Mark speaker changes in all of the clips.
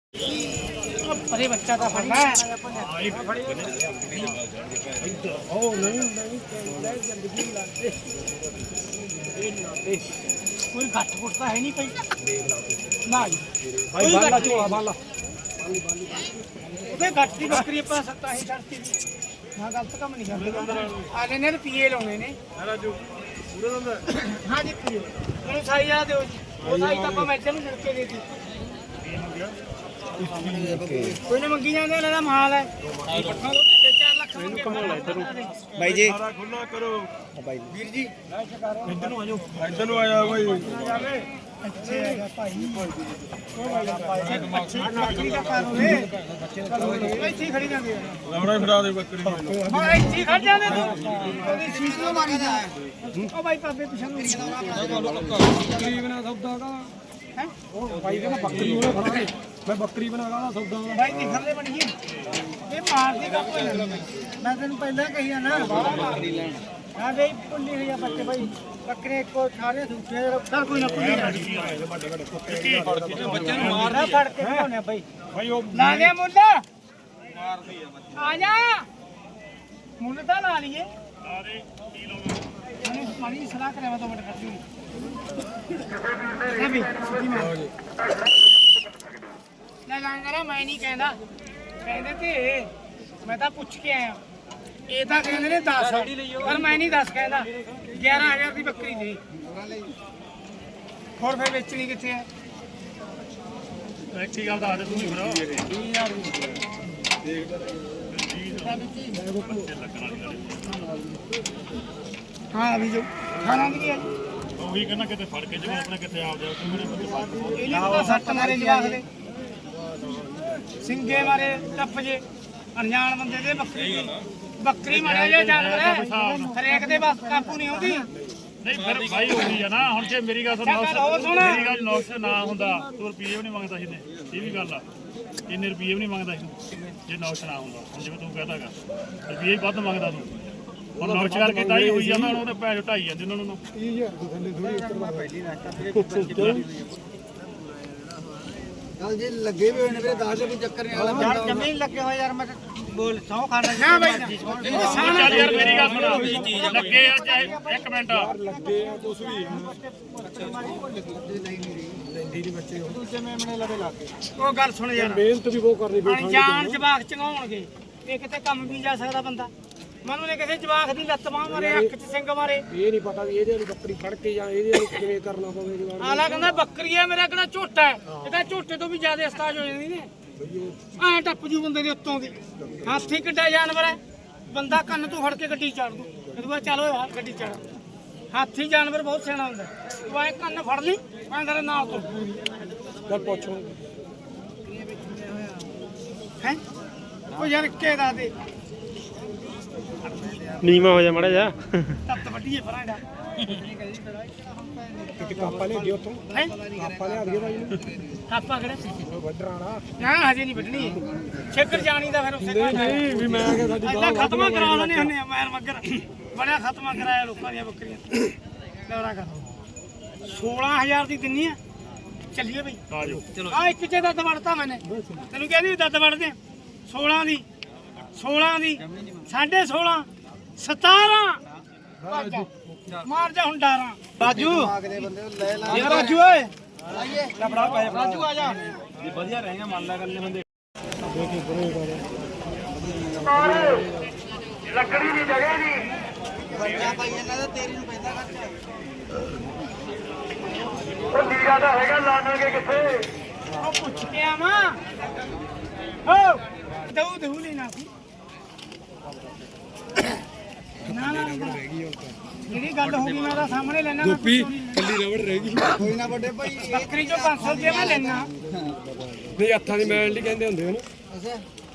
Speaker 1: अरे बच्चा का फड़ना है कोई घट घुटता है नहीं कोई ना घट की बकरी पा सकता है छड़ती हाँ गलत काम नहीं करते आने ने पीए लाने ने हाँ जी पीए मैंने साई आ दो वो साई तक मैं चल लड़के दे दी कोई ने मंगी जाने वाला माल है 4 लाख भाई जी खुला करो भाई वीर जी इधर आ जाओ भाई अच्छे भाई बकरी का कारो है ऐसे खड़ी जांदे लवड़ा फिरा दे बकरी हां ऐसे खड़ जाने तू ओदी सीट लो मारी जा ओ भाई पापे पिछन बकरी बना सौदा का है ओ भाई का बकरी होने खड़ा है मैं बकरी बना रहा सौदा भाई निखर ले बड़ी ये मार देगा कोई मैं तेन पहले कही है ना बकरी लेन हां भाई पुल्ली है बच्चे भाई बकरे को सारे दूसरे सर कोई ना पुल्ली बच्चे नु मारना फड़ के होने भाई भाई ओ ला ले मुल्ला मार दी है बच्चे आ जा मुल्ला ता ला लिए अरे किलो में मनी सलाह करे मैं तो बट करती हूं अभी सीधी मार ना लांगरा मैं नहीं कहंदा कहंदे ते मैं ਤਾਂ ਪੁੱਛ ਕੇ ਆਇਆ ਇਹ ਤਾਂ ਕਹਿੰਦੇ ਨੇ 10 ਪਰ ਮੈਂ ਨਹੀਂ 10 ਕਹਿੰਦਾ 11000 ਦੀ ਬੱਕਰੀ ਦੇ ਹੋਰ ਫੇਰ ਵੇਚਣੀ ਕਿੱਥੇ ਹੈ ਐਕਚੁਅਲੀ ਗੱਲ ਦੱਸ ਦੇ ਤੂੰ ਹੀ ਫਿਰ 20000 ਹਾਂ ਅਭੀ ਜੋ ਖਾਣਾ ਕੀ ਹੈ ਉਹੀ ਕਹਿੰਦਾ ਕਿਤੇ ਫੜ ਕੇ ਜਿਵੇਂ ਆਪਣੇ ਕਿੱਥੇ ਆਪ ਜਾ ਤੂੰ ਮੇਰੇ ਬੱਚੇ ਇਹ ਤਾਂ ਸੱਟ ਮਾਰੇ ਜਵਾਕ ਦੇ ਸਿੰਘੇ ਮਾਰੇ ਟੱਪ ਜੇ ਅਣਜਾਣ ਬੰਦੇ ਦੇ ਬੱਕਰੀ ਮਾਰਿਆ ਜੇ ਜਾਨਵਰ ਹਰੇਕ ਦੇ ਬਸ ਕਾਬੂ ਨਹੀਂ ਆਉਂਦੀ ਨਹੀਂ ਫਿਰ ਭਾਈ ਹੋਈ ਆ ਨਾ ਹੁਣ ਜੇ ਮੇਰੀ ਗੱਲ ਸੁਣ ਮੇਰੀ ਗੱਲ ਨੌਕਸ ਨਾ ਹੁੰਦਾ ਤੂੰ ਰੁਪਏ ਵੀ ਨਹੀਂ ਮੰਗਦਾ ਸੀ ਨੇ ਇਹ ਵੀ ਗੱਲ ਆ ਇੰਨੇ ਰੁਪਏ ਵੀ ਨਹੀਂ ਮੰਗਦਾ ਸੀ ਜੇ ਨੌਕਸ ਨਾ ਹੁੰਦਾ ਹੁਣ ਜਿਵੇਂ ਤੂੰ ਕਹਦਾਗਾ ਰੁਪਏ ਹੀ ਵੱਧ ਮੰਗਦਾ ਤੂੰ ਹੁਣ ਨੌਕਸ ਕਰਕੇ ਤਾਂ ਹੀ ਹੋਈ ਜਾਂਦਾ ਹੁਣ ਉਹਦੇ ਪੈਸੇ ਢਾਈ ਜਾਂਦੇ ਉਹਨਾਂ ਨੂੰ 30000 ਦੇ ਥੱਲੇ ਥੋੜੀ ਉੱਤਰਵਾ ਪਹਿਲੀ ਨਾ ਚੱਲ ਜੇ ਲੱਗੇ ਵੀ ਹੋਏ ਨੇ ਵੀਰੇ 10 ਵੀ ਚੱਕਰ ਨਹੀਂ ਵਾਲਾ ਯਾਰ ਜ਼ਮੀਨ ਲੱਗੇ ਹੋਏ ਯਾਰ ਮੈਂ ਬੋਲ 100 ਖਾਣਾ ਨਾ ਬਾਈ ਚੱਲ ਯਾਰ ਮੇਰੀ ਗੱਲ ਸੁਣ ਲੱਗੇ ਆ ਚਾਹੇ 1 ਮਿੰਟ ਲੱਗੇ ਆ ਕੁਛ ਵੀ ਲੈਂਦੀ ਨਹੀਂ ਬੱਚੇ ਦੂਜੇ ਮੇਮਣੇ ਲਵੇ ਲੱਗੇ ਉਹ ਗੱਲ ਸੁਣ ਯਾਰ ਮਿਹਨਤ ਵੀ ਉਹ ਕਰਨੀ ਬੈਠਾ ਜਾਨ ਜਵਾਕ ਚੰਗਾਉਣਗੇ ਇਹ ਕਿਤੇ ਕੰਮ ਵੀ ਜਾ ਸਕਦਾ ਬੰਦਾ ਮਨੂੰ ਨੇ ਕਿਸੇ ਜਵਾਕ ਦੀ ਲੱਤ ਬਾਹ ਮਾਰੇ ਅੱਖ 'ਚ ਸਿੰਘ ਮਾਰੇ ਇਹ ਨਹੀਂ ਪਤਾ ਵੀ ਇਹਦੇ ਨੂੰ ਬੱਕਰੀ ਫੜ ਕੇ ਜਾਂ ਇਹਦੇ ਨੂੰ ਕਿਵੇਂ ਕਰਨਾ ਪਵੇ ਜਵਾਕ ਆਲਾ ਕਹਿੰਦਾ ਬੱਕਰੀ ਹੈ ਮੇਰਾ ਕਿਹੜਾ ਝੋਟਾ ਹੈ ਇਹਦਾ ਝੋਟੇ ਤੋਂ ਵੀ ਜ਼ਿਆਦਾ ਉਸਤਾਦ ਹੋ ਜਾਂਦੀ ਨੇ ਐ ਟੱਪ ਜੂ ਬੰਦੇ ਦੇ ਉੱਤੋਂ ਦੀ ਹਾਥੀ ਕਿੱਡਾ ਜਾਨਵਰ ਹੈ ਬੰਦਾ ਕੰਨ ਤੋਂ ਫੜ ਕੇ ਗੱਡੀ ਚੜ ਦੂ ਇਹਦੇ ਬਾਅਦ ਚਲੋ ਯਾਰ ਗੱਡੀ ਚੜ ਹਾਥੀ ਜਾਨਵਰ ਬਹੁਤ ਸਿਆਣਾ ਹੁੰਦਾ ਤੂੰ ਐ ਕੰਨ ਫੜ ਲਈ ਮੈਂ ਤੇਰੇ ਨਾਲ ਤੋਂ ਗੱਲ ਪੁੱਛੋ ਹੈ ਉਹ ਯਾਰ ਕੇ ਦਾ ਦੇ ਨੀਮਾ ਹੋ ਜਾ ਮੜਾ ਜਾ ਤੱਤ ਵੱਡੀਏ ਫਰਾਂਡਾ ਕਿ ਕਾਪਾ ਲੈ ਗਿਆ ਉਤੋਂ ਹੈ ਕਾਪਾ ਲਿਆ ਦਿਓ ਬਾਈ ਨੂੰ ਕਾਪਾ ਕਿਹੜਾ ਵੱਢਣਾ ਨਾ ਹਜੇ ਨਹੀਂ ਵੱਢਣੀ ਛੇਕਰ ਜਾਣੀ ਦਾ ਫਿਰ ਉਸੇ ਨਹੀਂ ਵੀ ਮੈਂ ਕਿ ਸਾਡੀ ਬਾਤ ਖਤਮਾ ਕਰਾ ਲੈਣੇ ਹੁੰਨੇ ਆ ਮੈਰ ਮੱਗਰ ਬੜਿਆ ਖਤਮਾ ਕਰਾਇਆ ਲੋਕਾਂ ਦੀਆਂ ਬੱਕਰੀਆਂ ਦੌਰਾ ਕਰ 16000 ਦੀ ਦਿੰਨੀ ਆ ਚੱਲੀਏ ਬਈ ਆ ਜਾਓ ਚਲੋ ਆ ਇੱਕ ਚ ਦੱਦ ਵੜਤਾ ਮੈਨੇ ਤੈਨੂੰ ਕਹਿੰਦੀ ਦੱਦ ਵੜਦੇ 16 ਦੀ 16.5 17 ਮਾਰ ਜਾ ਹੁਣ ਡਾਰਾਂ ਰਾਜੂ ਯਾਰ ਰਾਜੂ ਓਏ ਲੈ ਫੜਾ ਪੈ ਰਾਜੂ ਆ ਜਾ ਇਹ ਵਧੀਆ ਰਹੇਗਾ ਮੰਨ ਲੈ ਗੱਲੇ ਬੰਦੇ ਲੱਕੜੀ ਦੀ ਜਗ੍ਹਾ ਨਹੀਂ ਬੱਚਾ ਪਾਈ ਇਹਨਾਂ ਦਾ ਤੇਰੀ ਨੂੰ ਪੈਂਦਾ ਖਰਚਾ ਉਹ ਨੀਰਾ ਦਾ ਹੈਗਾ ਲਾਣਾਂਗੇ ਕਿੱਥੇ ਉਹ ਪੁੱਛ ਕੇ ਆਵਾਂ ਓ ਦਊ ਲੈਣਾ ਸੀ ਨਾ ਜਿਹੜੀ ਗੱਲ ਹੋ ਗਈ ਮੈਂ ਉਹਦਾ ਸਾਹਮਣੇ ਲੈਣਾ ਗੋਪੀ ਕੱਲੀ ਰਬੜ ਰਹਿ ਗਈ ਕੋਈ ਨਾ ਵੱਡੇ ਭਾਈ ਬੱਕਰੀ ਚੋਂ 500 ਰੁਪਏ ਮੈਂ ਲੈਣਾ ਨਹੀਂ ਹੱਥਾਂ ਦੀ ਮੈਲ ਨਹੀਂ ਕਹਿੰਦੇ ਹੁੰਦੇ ਉਹਨੂੰ ਅੱਛਾ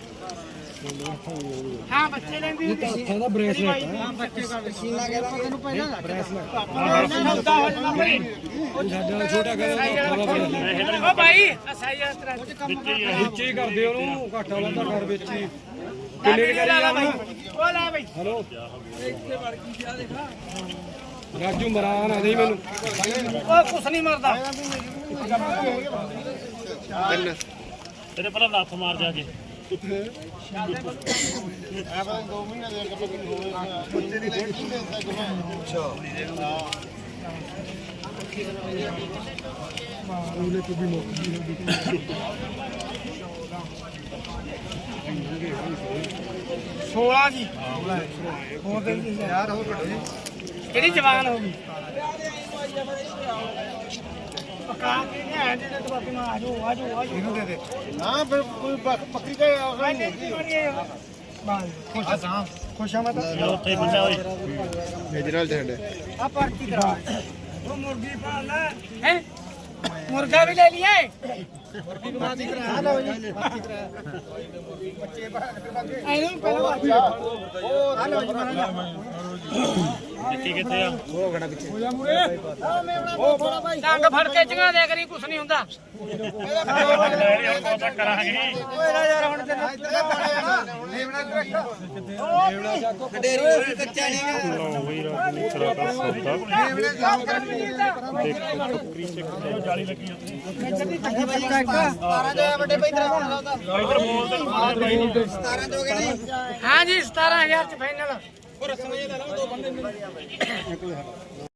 Speaker 1: ਹਾਂ ਬੱਚੇ ਲੈਂਦੀ ਹੁੰਦੀ ਹੱਥਾਂ ਦਾ ਬ੍ਰੇਸਲੈਟ ਹਾਂ ਬੱਚੇ ਦਾ ਮਸ਼ੀਨਾ ਕਹਿੰਦਾ ਮੈਂ ਤੈਨੂੰ ਪਹਿਲਾਂ ਬ੍ਰੇਸਲੈਟ ਸੌਦਾ ਹੋ ਜਾਣਾ ਭਾਈ ਉਹ ਸਾਡਾ ਛੋਟਾ ਕਹਿੰਦਾ ਉਹ ਭਾਈ ਅਸਾਈਆ ਤੇਰਾ ਵਿੱਚੇ ਹੀ ਕਰਦੇ ਉਹਨੂੰ ਘਾਟਾ ਵਾਲਾ ਤਾਂ ਕਰ ਵਿੱਚ ਹੀ ਕਿੰਨੇ ਕਰੀ ਜਾ ਭਾਈ ਉਹ ਲੈ ਭਾਈ ਹੈਲੋ ਇੱਥੇ ਵੜ ਗਈ ਆ ਦੇਖਾ ਰਾਜੂ ਮਰਾਨ ਆ ਨਹੀਂ ਮੈਨੂੰ ਉਹ ਕੁਛ ਨਹੀਂ ਮਰਦਾ
Speaker 2: ਤੇਰੇ ਪਹਿਲਾਂ ਲੱਤ ਮਾਰ ਜਾ ਕੇ
Speaker 1: ਸੋਲਾਂ ਜੀ ਹੋਰ ਦੇ ਯਾਰ ਹੋਰ ਘਟੋ ਜੀ ਕਿਹੜੀ ਜਵਾਨ ਹੋ ਗਈ ਪਕਾ ਕੇ ਨਹੀਂ ਆਏ ਤੇ ਬਾਕੀ ਮੈਂ ਆਜੋ ਇਹਨੂੰ ਦੇ ਦੇ ਨਾ ਫਿਰ ਕੋਈ ਬੱਕਰੀ ਦਾ ਆਗਾ ਨਹੀਂ ਖੁਸ਼ ਆ ਮੈਂ ਤਾਂ
Speaker 2: ਉੱਥੇ ਹੀ ਬੰਦਾ ਹੋਈ
Speaker 3: ਮੇਜਰਲ ਦੇ ਹੰਡੇ
Speaker 1: ਆ ਪਾਰਟੀ ਕਰਾ ਉਹ ਮੁਰਗੀ ਪਾਲ ਲੈ ਹੈ ਮੁਰਗਾ ਵੀ ਲੈ ਲਿਆ ਮੁਰਗੀ ਨੂੰ ਬਾਤੀ ਕਰਾ ਲਓ ਜੀ ਬੱਚੇ ਇਹਨੂੰ ਪਹਿਲਾਂ ਉਹ ਆ ਲਓ ਜੀ
Speaker 2: ਕਿੱਥੇ ਆ
Speaker 3: ਉਹ ਗਣਾ ਪਿੱਛੇ
Speaker 1: ਹੋ ਜਾ ਮੂਰੇ ਉਹ ਬੜਾ ਭਾਈ ਡੰਗ ਫੜ ਕੇ ਚੰਗਾ ਦੇ ਕਰੀ ਕੁਛ ਨਹੀਂ ਹੁੰਦਾ
Speaker 2: ਕਰਾਂਗੇ
Speaker 1: ਓਏ ਯਾਰ ਹੁਣ ਤੇ
Speaker 3: ਕਡੇਰੀ ਹੋਰ ਵੀ ਕੱਚਾ ਨਹੀਂ
Speaker 2: ਲਓ ਬਈ ਰਾਤ ਨੂੰ ਤੇਰਾ ਦਾ ਸੌਦਾ ਦੇਖੋ ਬੱਕਰੀ ਚੱਕ ਜਾਲੀ ਲੱਗੀ ਉੱਥੇ
Speaker 1: ਵੱਡੇ ਭਾਈ ਤੇਰਾ ਹੁਣ ਲਾਉਂਦਾ
Speaker 2: ਇਧਰ ਬੋਲਦੇ ਨੂੰ ਮਾਰ ਬਾਈ ਨਹੀਂ
Speaker 3: 17 ਚ ਹੋ ਗਏ ਨਹੀਂ
Speaker 1: ਹਾਂ ਜੀ 17000 ਚ ਫਾਈਨਲ